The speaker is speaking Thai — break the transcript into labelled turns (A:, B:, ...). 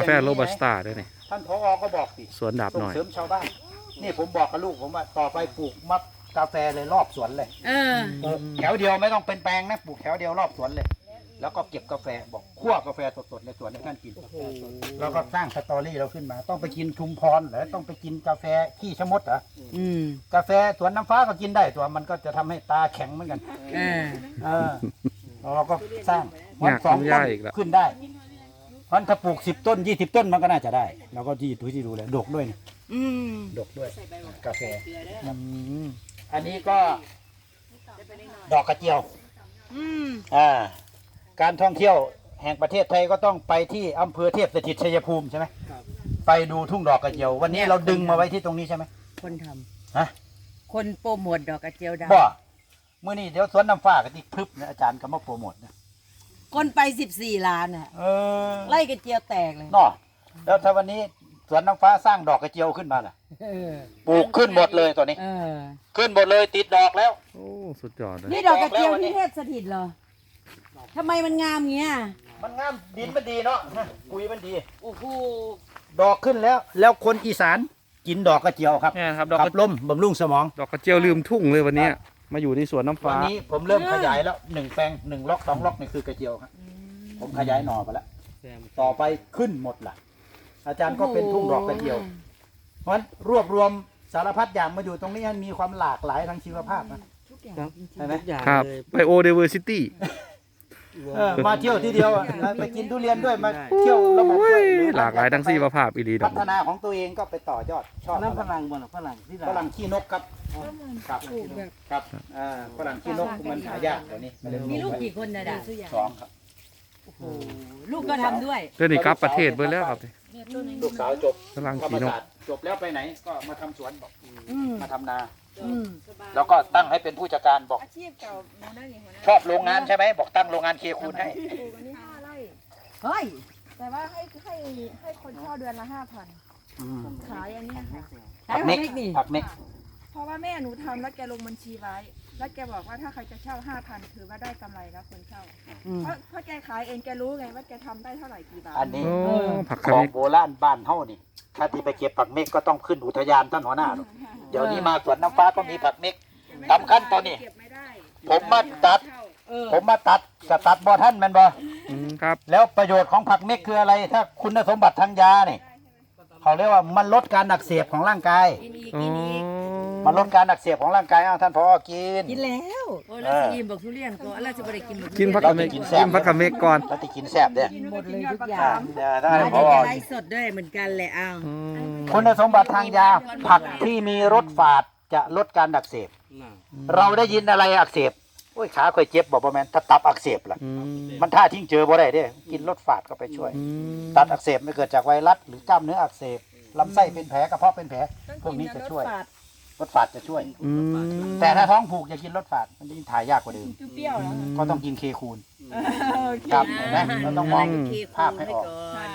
A: แฟโรบัสต้าด้วยนี่
B: ท่านผอ.ก็บอกสิ
A: สวนดาบ
B: ส่
A: ห
B: ง
A: น่อย
B: เสริมชาวบ้านนี่ผมบอกกับลูกผมว่าต่อไปปลูกมักกาแฟเลยรอบสวนเลย ปลูกแถวเดียวไม่ต้องเป็นแปลงนะปลูกแถวเดียวรอบสวนเลย แล้วก็เก็บกาแฟบอกคั่วกาแฟสดๆในสวนให้ท่านกินแล้วก็สร้างสตอรี่เราขึ้นมา ต้องไปกินชุมพรเหรอต้องไปกินกาแฟขี้ชะมดเหรอกาแฟสวนน้ำฟ้าก็กินได้ตัวมันก็จะทำให้ตาแข็งเหมือนกันเราก็สร้างวันสองต้นขึ้นได้เพราะถ้าปลูก10 ต้น20 ต้นมันก็น่าจะได้เราก็ที่ดูเลยดกด้วยนี่ดกด้วยกาแฟอันนี้ก็ดอกกระเจียวการท่องเที่ยวแห่งประเทศไทยก็ต้องไปที่อำเภอเทพสถิตชัยภูมิใช่ไหมไปดูทุ่งดอกกระเจียววันนี้เราดึงมาไว้ที่ตรงนี้ใช่ไหม
C: คนท
B: ฮะ
C: คนโปรโมทดอกกระเจียวดาว
B: บ่เมื่อนี้เดี๋ยวสวนน้ำฟ้ากันที่พึบนะอาจารย์ก็มาโปรโมทนะ
C: คนไป14 ล้านอ่ะไล่กระเจียวแตกเลย
B: เนาะแล้วถ้าวันนี้สวนน้ำฟ้าสร้างดอกกระเจียวขึ้นมาล่ะปลูกขึ้นหมดเลยตัวนี้ขึ้นหมดเลยติดดอกแล้ว
A: โอ้สุดยอดเลย
C: นี่ดอกกระเจียวที่เทพสถิตเหรอทำไมมันงามเงี้ย
B: มันงามดินมันดีเนาะปุ๋ยมันดี
C: โอ้โห
B: ดอกขึ้นแล้วคนอีสานกินดอกกระเจียวครับ
A: เนี่ยครับดอกกระ
B: ลมบำรุงสมอง
A: ดอกกระเจียวลืมทุ่งเลยวันนี้มาอยู่ในสวนน้ำฟ้า
B: วันนี้ผมเริ่มขยายแล้ว1 แปลง1 ล็อก2 ล็อกนี่คือกระเจียวครับผมขยายหน่อไปแล้วต่อไปขึ้นหมดล่ะอาจารย์ก็เป็นทุ่งดอกกระเจียวเพราะฉะนั้นรวบรวมสารพัดอย่างมาอยู่ตรงนี้มีความหลากหลายทางชีวภาพนะใช่ไหม
A: ครับไบโอเดเวอร์ซิตี้
B: มาเที่ยวที่เดียวไปกินทุเรียนด้วยมาเที่ยวระบบด้วย
A: หลากหลายทั้งชีวภาพอีหลี
B: พัฒนาของตัวเองก็ไปต่อยอดชอบ
D: ฝรั่งบ่ล่ะฝรั่งที่
B: ฝรั่งขี้นกครับครับฝรั่งขี้นกมันหายากเดี๋ยวนี้
C: มีลูกกี่คนนะดา
B: 2ครับ
C: ลูกก็ทำด้วย
A: เรื่องนี้กลับประเทศไปแล้วครับ
B: ลูกสาวจบ
A: ฝรั่งขี้นก
B: จบแล้วไปไหนก็มาทำสวนบอกมาทำนาแล้วก็ตั้งให้เป็นผู้จัดการบอกชอบโรงงานใช่ไหมบอกตั้งโรงงานเคคูนให้
C: เฮ้ย
E: แต่ว่าให้คนเช่าเดือนละ5,000ขายอันนี้ค่ะ
B: ผักเม็กผักเม็ก
E: เพราะว่าแม่หนูทำแล้วแกลงบัญชีไว้แล้วแกบอกว่าถ้าใครจะเช่า5,000ถือว่าได้กำไรแล้วคนเช่าเพราะแกขายเองแกรู้ไงว่าแกทำได้เท่าไหร่กี่บาท
B: อันนี้ของโบราณบ้านเฮานี่ถ้าที่ไปเก็บผักเม็กก็ต้องขึ้นอุทยานท่านหัวหน้าเดี๋ยวนี้มาสวนน้ำฟ้าก็มีผักเม็กสำคัญตอนนี้ผมมาตัดบ่ท่านแม่นบ่
A: ครับ
B: แล้วประโยชน์ของผักเม็กคืออะไรถ้าคุณสมบัติทางยาเนี่ยเขาเรียกว่ามันลดการอักเสบของร่างกายมันลดการอักเสบของร่างกายท่านพอ
C: กินแล้วโอ้แล้วสิอิ่มบอกทุเรียนก็แล้วจะบ่ได้กิน
A: กินผักเม็กกินผักเม็กก่อน
B: แล้วจะกินแซ่บเด้อ
C: หมดเลยทุกอย่าง
B: ท่านพอ
C: ไลฟ์สดด้วยเหมือนกันแหละอ้าว
B: คุณสมบัติทางยาผักที่มีรสฝาดจะลดการอักเสบเราได้ยินอะไรอักเสบโอ้ยขาค่อยเจ็บบอกบ่แม่นถ้าตับอักเสบล่ะมันท่าทิ้งเจอบ่ได้เด้กินรสฝาดก็ไปช่วยตับอักเสบไม่เกิดจากไวรัสหรือกล้ามเนื้ออักเสบลำไส้เป็นแผลกระเพาะเป็นแผลพวกนี้จะช่วยรสฝาดจะช่วยแต่ถ้าท้องผูกอย่ากินรสฝาดมันยิ่งถ่ายยากกว่าเดิมก็ต้องกินเคคูนครับเห็นไหมเราต้องมองภาพให้ออก